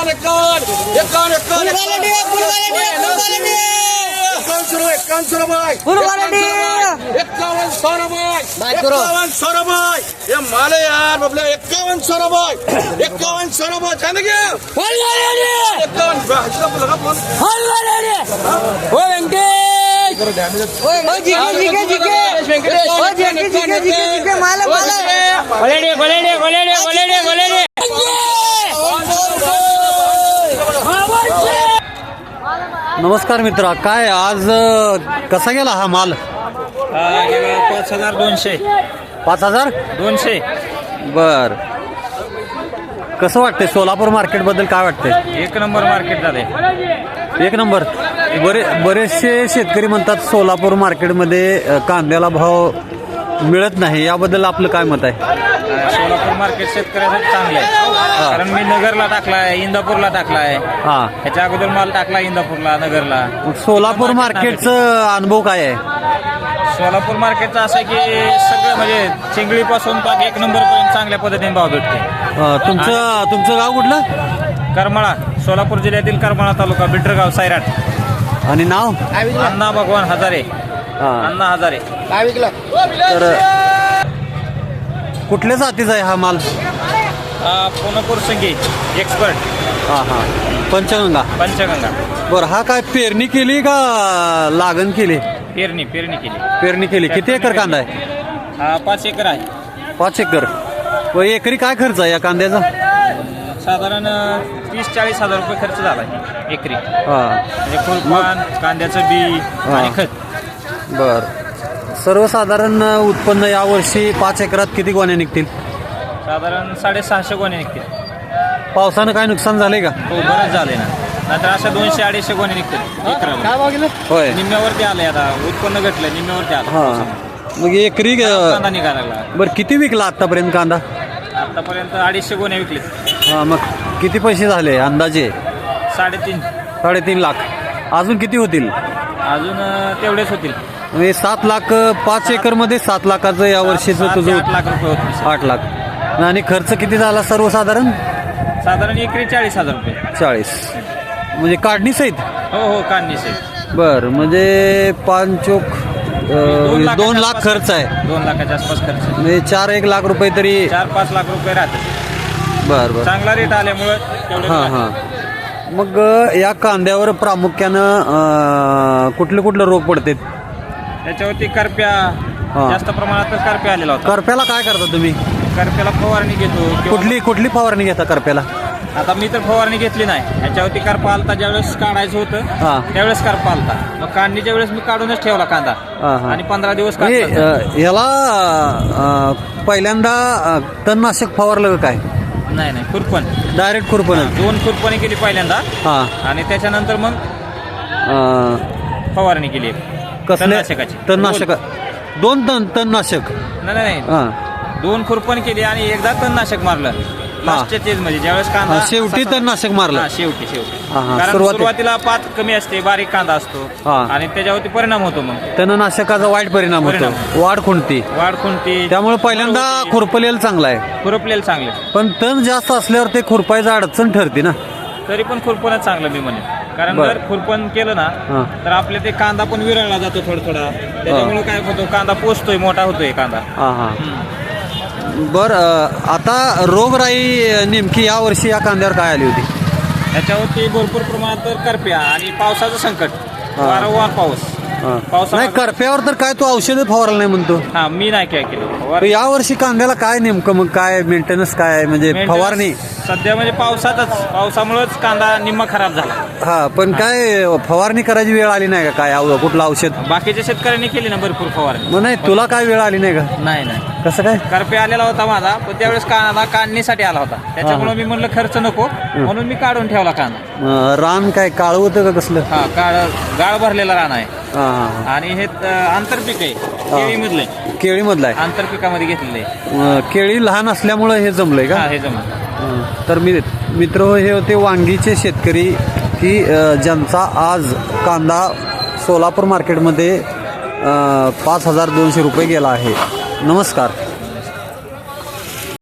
माले यार बबले 5100 रुपये 5100 रुपये कहने के 5100 नमस्कार मित्रा, काय आज कसा गेला हा माल? 5200 5200. बर, कसं वाटतंय सोलापूर मार्केट बद्दल? काय वाटतंय? एक नंबर मार्केट झाले. एक नंबर. बरेचसे शेतकरी म्हणतात सोलापूर मार्केटमध्ये कांद्याला भाव मिळत नाही, याबद्दल आपलं काय मत आहे? सोलापूर मार्केट शेतकऱ्यासाठी चांगलं आहे, कारण मी नगरला टाकलाय, इंदापूरला टाकलाय. हा, ह्याच्या अगोदर माल टाकला इंदापूरला, नगरला. सोलापूर मार्केटचा अनुभव काय आहे? सोलापूर मार्केटचं असं की सगळं म्हणजे चिंगळीपासून पाक एक नंबर पर्यंत चांगल्या पद्धतीने भाव भेटते. तुमचं गाव कुठलं? करमाळा, सोलापूर जिल्ह्यातील करमाळा तालुका, बिटरगाव, सायराट. आणि नाव? अण्णा भगवान हजारे. अण्णा हजारे. तर कुठल्या जातीचा आहे हा माल? पुनपूर संगी एक्सपर्ट. हा हा, पंचगंगा. बरं, हा काय पेरणी केली का लागण केली? पेरणी केली. पेरणी केली. किती एकर कांदा आहे? 5 एकर आहे. 5 एकर. व एकरी काय खर्च आहे या कांद्याचा? साधारण 30-40 हजार रुपये खर्च झाला एकरी. म्हणजे फुलपान, कांद्याचं बी आणि खत. बर, सर्वसाधारण उत्पन्न यावर्षी 5 एकरात किती गोण्या निघतील? साधारण 650 गोण्या निघतील. पावसानं काय नुकसान झाले का? हो, बरंच झाले ना. नाहीतर अशा 200-250 गोण्या निघतील एकराला. होय, निम्म्यावरती आलंय आता. उत्पन्न घटलं, निम्म्यावरती आलं. हा, मग एकरी कांदा निघायला लागला. बरं, किती विकला आतापर्यंत कांदा? आतापर्यंत 250 गोण्या विकले. हा, मग किती पैसे झाले अंदाजे? 3.5 लाख. अजून किती होतील? अजून तेवढेच होतील. म्हणजे 7 लाख. 5 एकर मध्ये 7 लाखाचं या वर्षीचं तुझं? 8 लाख रुपये होतील. 8 लाख. आणि खर्च किती झाला सर्वसाधारण? साधारण एकरी 40 हजार रुपये. 40 म्हणजे काढणी सहित? हो, काढणी सहित. बर, म्हणजे 5 2 लाख खर्च आहे. 2 लाखाच्या आसपास खर्च. म्हणजे 4-1 लाख रुपये तरी. 4-5 लाख रुपये राहतात. बर. चांगला रेट आल्यामुळे तेवढे. हां. मग या कांद्यावर प्रामुख्यानं कुठले रोग पडतात? त्याच्यावरती करप्या, जास्त प्रमाणात करप्या आलेला होता. करप्याला काय करता तुम्ही? करप्याला फवारणी घेतो. कुठली फवारणी घेता करप्याला? आता मी तर फवारणी घेतली नाही. ह्याच्यावरती करपा आलता, ज्यावेळेस काढायचं होतं त्यावेळेस करपा आलता. मग काढणीच्या वेळेस मी काढूनच ठेवला कांदा आणि 15 दिवस याला पहिल्यांदा तणनाशक फवारलं काय? नाही, खुरपण. डायरेक्ट खुरपण? 2 खुरपणी केली पहिल्यांदा आणि त्याच्यानंतर मग फवारणी केली. तणनाशकाची? तणनाशक 2 तणनाशक? नाही, 2 खुरपण केली आणि एकदा तणनाशक मारलं लास्टच्या स्टेज मध्ये, ज्यावेळेस कांदा शेवटी तणनाशक मारलं. शेवटी. कारण सुरुवातीला पात कमी असते, बारीक कांदा असतो आणि त्याच्यावरती परिणाम होतो. मग तणनाशकाचा वाईट परिणाम होतो. वाढ खुंटती. त्यामुळे पहिल्यांदा खुरपलेलं चांगलं आहे. खुरपलेलं चांगलं. पण तण जास्त असल्यावर ते खुरपायचं अडचण ठरते ना. तरी पण खुरपणच चांगलं मी म्हणेन, कारण जर खुरपण केलं ना तर आपल्या ते कांदा पण विरळला जातो थोडा. त्याच्यामुळे काय होतो, कांदा पोचतोय, मोठा होतोय कांदा. बर, आता रोगराई नेमकी या वर्षी या कांद्यावर काय आली होती? त्याच्यावरती भरपूर प्रमाणात करप्या आणि पावसाचं संकट. वारंवार पाऊस नाही. करप्यावर तर काय तू औषध फवारलं नाही म्हणतो? मी नाही काय केलं. या वर्षी कांद्याला काय नेमकं मग काय मेंटेनन्स काय म्हणजे फवारणी? सध्या म्हणजे पावसामुळेच कांदा निम्मा खराब झाला. पण काय फवारणी करायची वेळ आली नाही का? काय कुठलं औषध? बाकीच्या शेतकऱ्यांनी केली ना भरपूर फवारणी. मग नाही, तुला काय वेळ आली नाही का? नाही. कसं काय? करप्या आलेला होता माझा, पण त्यावेळेस कांदा काढणीसाठी आला होता. त्याच्यामुळे मी म्हणलं खर्च नको, म्हणून मी काढून ठेवला कांदा. रान काय काळ होतं का कसलं? गाळ भरलेला रान आहे आणि हे आंतरपीक आहे. केळीमधलं आहे. आंतरपिकामध्ये घेतलेलं आहे. केळी लहान असल्यामुळे हे जमलंय का? हे जमलं. तर मित्र, हे होते वांगीचे शेतकरी की ज्यांचा आज कांदा सोलापूर मार्केटमध्ये 5200 रुपये गेला आहे. नमस्कार.